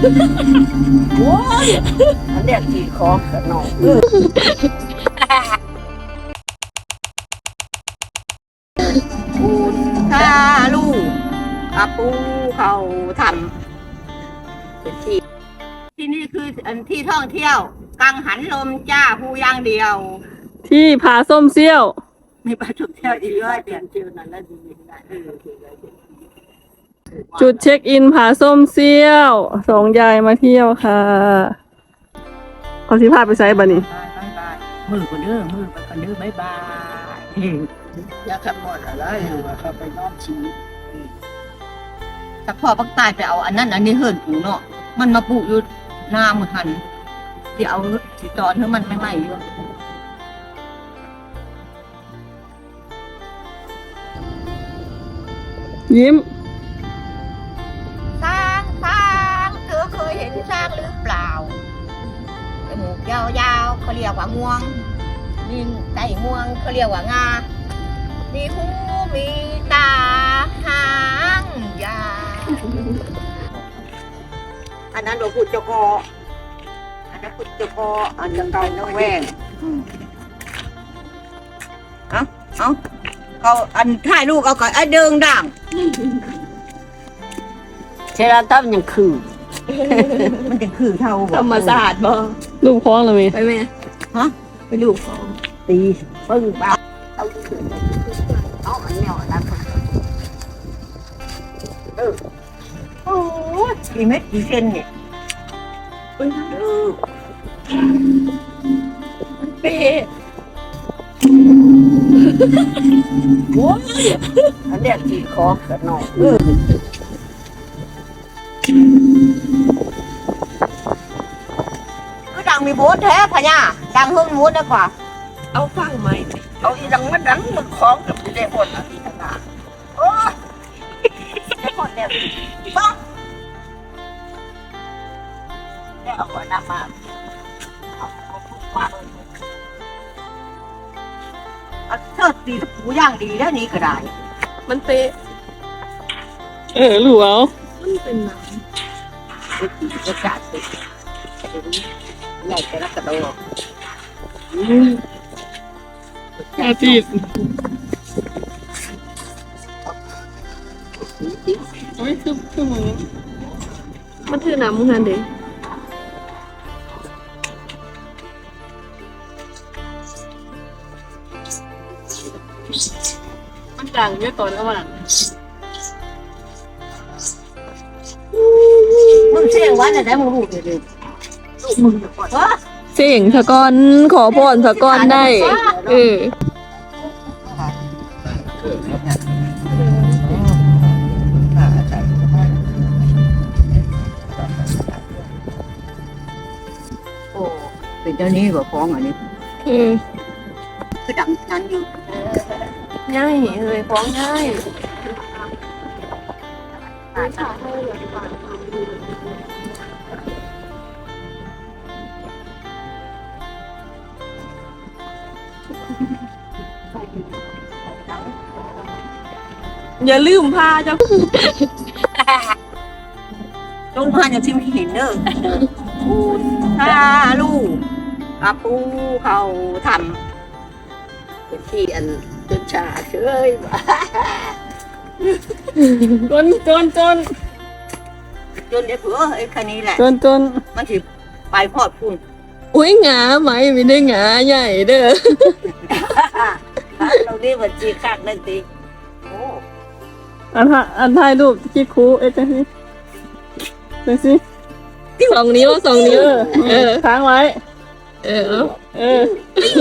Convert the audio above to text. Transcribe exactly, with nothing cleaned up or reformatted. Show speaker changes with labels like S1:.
S1: โอ้ยอันเนี้ยขี่คอกันหน่อยคุณถ้าลูกอาปูเขาทำเป็นที่ที่นี่คืออันที่ท่องเที่ยวกังหันลมจ้าผู้ย่างเดียว
S2: ที่ผาส้มเซี่ยว
S1: มีปลาท่องเที่ยวอีกร้อยเปลี่ยนชื่อนั้นแล้วดีนะเออ
S2: จุดเช็คอินผาส้มเซี่ยวสองยายมาเที่ยวค่ะเขาสิพาไปไซส์บันนี้
S1: บายบายบายมือคนเด้อมือไปคนเด้อบายบายอยากขับหมดอะไรหรือว่าเขาไปนอกชีแต่พ่อปักตายไปเอาอันนั้นอันนี้เฮิรนปูเนาะมันมาปลูกอยู่หน้ามือหันที่เอาสีจอนให้มันไม่ไหม้อยู่
S2: ยิ้ม
S1: ช้างช้างเธอเคยเห็นช้างหรือเปล่าจมูกยาวๆเขาเรียกว่างวงมีไก่งวงเขาเรียกว่างามีหูมีตาหางยาวอันนั้นเราพูดเจ้าคออันนั้นพูดเจ้าคออันนั้นเก่าน้องแหวงเอ้าเอ้าเขาอันถ่ายลูกเอาก่อนไอ้เดิงด่างเชลาตับยังคือ มันจะคือเท่าธรรมศาสตร์บ่
S2: ลูกพ้องเลยมั้ย
S1: ไปไหมฮะไปลูกตีปึ้งบ้าเอาคือเอาอันแนวนั้นเออโอ้กี่เม็ดกี่เซนเนี่ยเออเป๊ะโอ้ยอันเนี้ยขี่คอกันหน่อยเออคือดังมีโบสแท้พะเนี่ยดังเฮิ่งโบสได้กว่าเอาฟังไหมเอาอีดังมันดังมันคล้องกับเด็กคนอ่ะที่ทำงานโอ้ยเด็กคนเนี่ยบ้าได้เอาหัวหน้ามาเอาเอาพูดมาเลยอันเชิดตีหูย่างดีแล้วนี้ก็ได้มันเป๊ะ
S2: เออลูกเอา
S1: มันเป็นหนังอากาศเป็นใหญ่แต่ละกระโดด
S2: อาทิตย์โอ้ยคือคือมึงมันถือน้ำมึงนั่นเด้มันดังเยอะตอนระหว่าง
S1: มึงเสียงวันไหนมึงรู้เดี๋ยวลูกมึงจะปวดวะ
S2: เสียงสะกอนขอพรสะกอนได้เออ
S1: โอ้เป็นเจ้านี้บ่ฟ้องอันนี้
S2: เออ
S1: คือดังนั้นอยู่
S2: ง่ายเลยฟ้องง่าย อย่าลืมพาเจ้า
S1: ลงมาอย่างที่ไม่เห็นเด้อคุณถ้าลูกอาปูเขาทำเป็นที่อันจนชาเฉย
S2: จนจนจน
S1: จนไอ้เผือไอ้คันนี้แหละ
S2: จนจน
S1: มันสิไปพอดพุ่น
S2: อุ้ยหงาไหมไม่ได้หงาใหญ่เด้อ
S1: เราได้บัญชีข้างนั่นติโอ้
S2: อันถ่ายอันถ่ายรูปคิดคูเอ๊ะจังสิจังสิสองนิ้วสองนิ้วเออค้างไว้ เออเออ